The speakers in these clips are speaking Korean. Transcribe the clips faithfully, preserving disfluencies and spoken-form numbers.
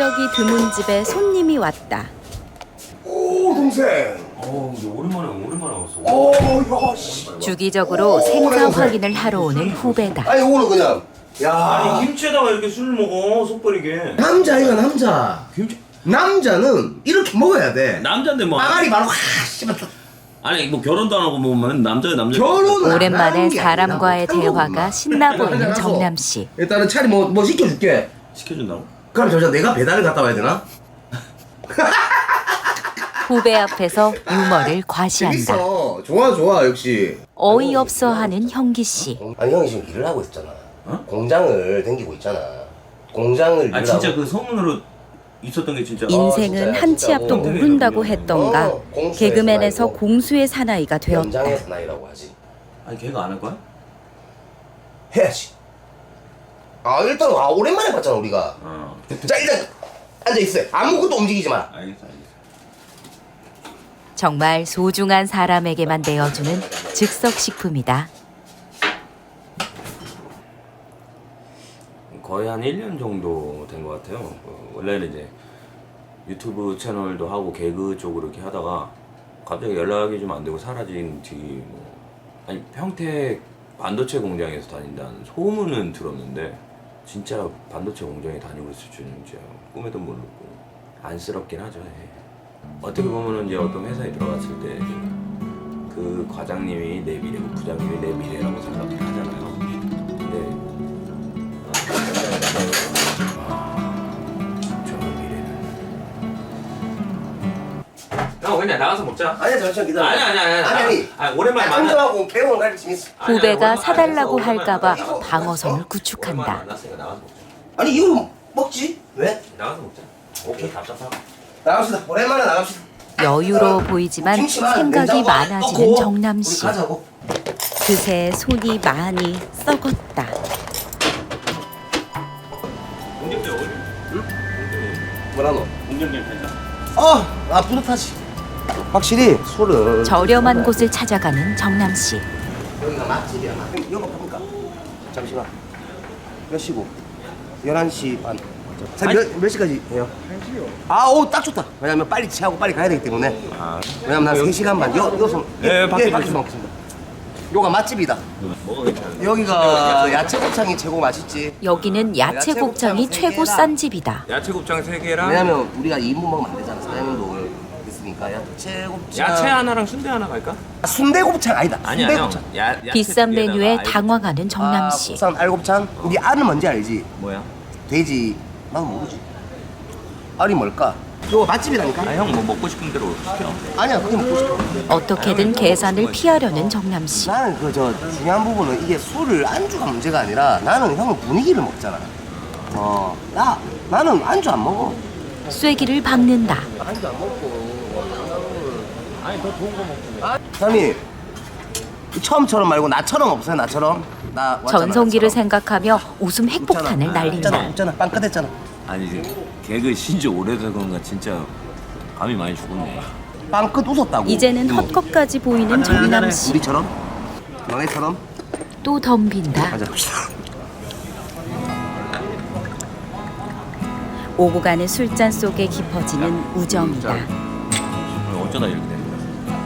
인적이 드문 집에 손님이 왔다. 오 동생. 어, 근데 오랜만에 오랜만에 왔어. 오, 야 씨. 주기적으로 오, 생사 동생. 확인을 하러 오는 후배다. 아니 오늘 그냥. 야. 아니 김치에다가 이렇게 술을 먹어 속버리게. 남자이가 남자. 김치. 남자는 이렇게 먹어야 돼. 남자인데 뭐. 빠가리 바로 확 씹었다. 아니 뭐 결혼도 안 하고 뭐만 남자야 남자. 결혼 오랜만에 사람과의 대화가 신나 보이는 정남 씨. 일단은 차리 뭐 뭐 시켜줄게. 시켜준다고? 그럼 저저 내가 배달을 갔다 와야 되나? 후배 앞에서 유머를 과시한다. 재밌어. 좋아 좋아 역시. 어이없어하는 형기 씨. 아니 형이 지금 일을 하고 있잖아. 어? 공장을 댕기고 있잖아. 공장을 일을 아 진짜 하고. 그 소문으로 있었던 게 진짜. 인생은 진짜요, 한 치 진짜고. 앞도 모른다고 했던가 어, 공수의 개그맨에서 사나이고. 공수의 사나이가 되었다. 연장의 사나이라고 하지. 아니 걔가 안 할 거야? 해야지. 아 일단 아 오랜만에 봤잖아 우리가. 어. 자 일단 앉아 있어. 아무것도 움직이지 마. 알겠어 알겠어. 정말 소중한 사람에게만 내어주는 즉석식품이다. 거의 한 일 년 정도 된 것 같아요. 어, 원래는 이제 유튜브 채널도 하고 개그 쪽으로 이렇게 하다가 갑자기 연락이 좀 안 되고 사라진 뒤 뭐 아니 평택 반도체 공장에서 다닌다는 소문은 들었는데 진짜 반도체 공장에 다니고 있을 줄은 진짜 꿈에도 모르고 안쓰럽긴 하죠. 예. 어떻게 보면은 이제 어떤 회사에 들어갔을 때 그 과장님이 내 미래고 부장님이 내 미래라고 생각을 하잖아요. 근데 저 미래는 형 그냥 나가서 먹자. 아니야 잠시만 기다려. 아니 아니 아니 아니 아니. 아니 오랜만에 만나. 안주하고 배우는 갈 재밌어. 후배가 사달라고 할까봐 방어선을 구축한다. 만났으니까 나가서 먹자. 아니 이거 먹지? 왜? 나가서 먹자. 오케이 답답하고. 나갑시다. 오랜만에 나갑시다. 여유로워 보이지만 김치만 생각이 냉장고 안에 많아지는 넣고 정남 우리 씨. 가자고. 그새 손이 많이 썩었다. 공격대 어디? 응? 뭐라 너? 공격대 괜찮아. 어, 아 뿌듯하지. 확실히 술은 저렴한 곳을 찾아가는 정남 씨. 여기가 맛집이야. 맛집. 영업합니까? 잠시만. 몇 시고? 열한 시 반. 몇, 몇 시까지 해요? 한 시요. 아, 오, 딱 좋다. 왜냐면 빨리 취하고 빨리 가야 되기 때문에. 아, 왜냐면 난 세 시간 반. 여, 여기서. 예, 밖에 밖에서 먹겠습니다. 요가 맛집이다. 뭐가 괜찮아? 여기가 야채 곱창이 최고 맛있지. 여기는 야채 곱창이 최고 싼 집이다. 야채 곱창 세 개랑 왜냐면 우리가 이 인분 먹으면 안 되잖아. 사장님도 있으니까 야채 곱창. 야채 하나랑 순대 하나 갈까? 아, 순대 곱창 아니다. 아니야 순대 형. 곱창. 야, 야채 비싼 두 개에다가 메뉴에 알- 당황하는 정남 아, 씨. 국산 알곱창. 네 알은 뭔지 알지? 뭐야? 돼지. 난 모르지. 알이 뭘까? 이거 맛집이라니까. 아 형 뭐 먹고 싶은 대로 시켜. 아니야, 그게 먹고 싶어. 어떻게든 계산을 피하려는 정남 씨. 나는 그 저 중요한 부분은 이게 술을 안주가 문제가 아니라 나는 형은 분위기를 먹잖아. 어, 나 나는 안주 안 먹어. 쐐기를 박는다. 안주 안 먹고. 아니 더 좋은 거 먹지. 형님 처음처럼 말고 나처럼 없어요, 나처럼. 나 왔잖아, 전성기를 나처럼. 생각하며 웃음 핵폭탄을 웃잖아, 날린다. 웃잖아, 빵 끝했잖아. 아니 이제 개그 신지 오래돼서 그런가 진짜 감이 많이 죽었네. 빵 끝 웃었다고. 이제는 헛것까지 보이는 정남 씨. 우리처럼, 너네처럼. 또 덤빈다. 가자. 오고 가는 술잔 속에 깊어지는 우정이다. 어쩌다 이렇게 된 거야?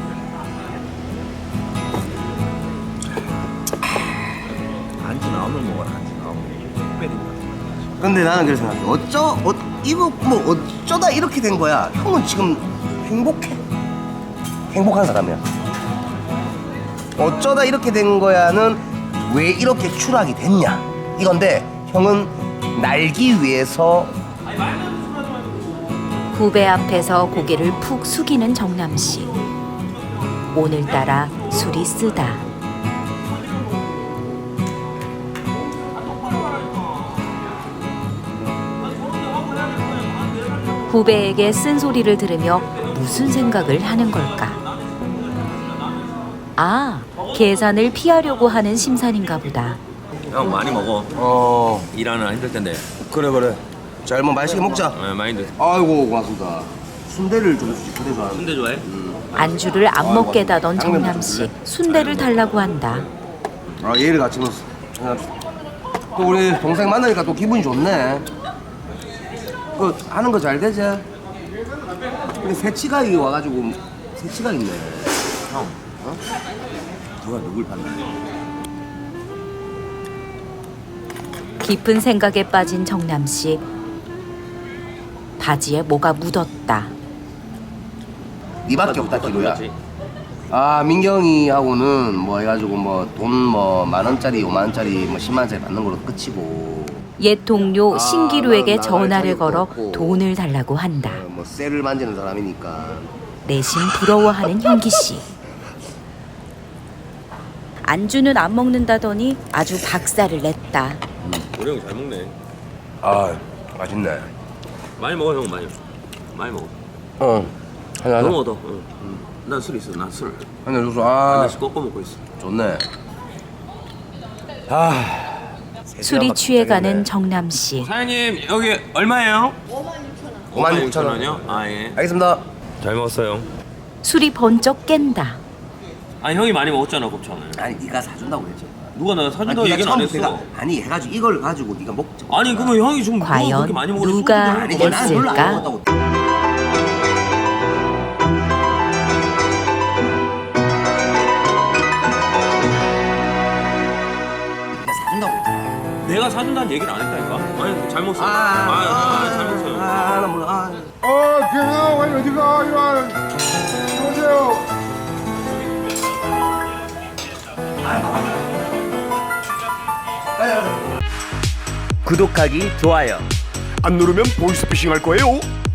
안주 나오면 먹어라. 안주 나오면 특별히. 근데 나는 그래서 생각해. 어쩌, 어, 이거 뭐 어쩌다 이렇게 된 거야. 형은 지금 행복해. 행복한 사람이야. 어쩌다 이렇게 된 거야는 왜 이렇게 추락이 됐냐 이건데 형은 날기 위해서 후배 앞에서 고개를 푹 숙이는 정남 씨. 오늘따라 술이 쓰다. 후배에게 쓴소리를 들으며 무슨 생각을 하는 걸까? 아, 계산을 피하려고 하는 심산인가 보다. 형 많이 먹어. 어 일하느라 힘들 텐데. 그래 그래 자 일단 맛있게 먹자. 어, 많이 드. 아이고 고맙습니다. 순대를 좀 주지. 순대 좋아하는. 순대 좋아해? 안주를 안 먹게다던 정남 씨. 순대를 달라고 한다. 아 얘를 같이 먹었어. 또 우리 동생 만나니까 또 기분이 좋네. 그 하는 거 잘 되지? 근데 새치가 이게 와가지고 새치가 있네. 형, 어? 누가 누굴 봤나? 깊은 생각에 빠진 정남 씨. 바지에 뭐가 묻었다. 니밖에 없다 기로야. 아 민경이하고는 뭐 해가지고 뭐 돈 뭐 만 원짜리 오만 원짜리 뭐 십만 원짜리 받는 걸로 끝이고. 옛 동료 아, 신기루에게 나- 나갈 전화를 자격도 걸어 없고. 돈을 달라고 한다. 어, 뭐 쇠를 만지는 사람이니까. 내심 부러워하는 현기 씨. 안주는 안 먹는다더니 아주 박살을 냈다. 우리 형 잘 먹네. 아 맛있네. 많이 먹어 형 많이. 많이 먹어. 어 하나 하나 너무 얻어. 응. 난 술 있어. 난 술. 하나 줘서 한 아 잔씩 꺾어 먹고 있어. 좋네. 아 술이 취해가는 정남 씨. 사장님 여기 얼마예요? 오만 육천 원. 원이요? 아 예. 알겠습니다. 잘 먹었어요. 술이 번쩍 깬다. 아 형이 많이 먹었잖아 곱창을. 아니 네가 사준다고 했죠. 누가 나 아니, 사준다고 네가 얘기는 안 처음부터 했어. 내가- 아니 해가지고 이걸 가지고 네가 먹자. 아니 그러면 형이 좀 누가 과연 그렇게 많이 먹었는데 누가 소주를 아니 먹었어? 난 별로 안 냈을까? 먹었다고. 네가 사준다고 했잖아. 내가 사준다는 얘기를 안 했다니까. 아니 잘 먹었어. 아, 아, 아, 아, 잘 먹었어요. 아, 나 몰라. 아. 어, 김영, 아니 어디가? 이거 오세요. 구독하기, 좋아요. 안 누르면 보이스피싱 할 거예요.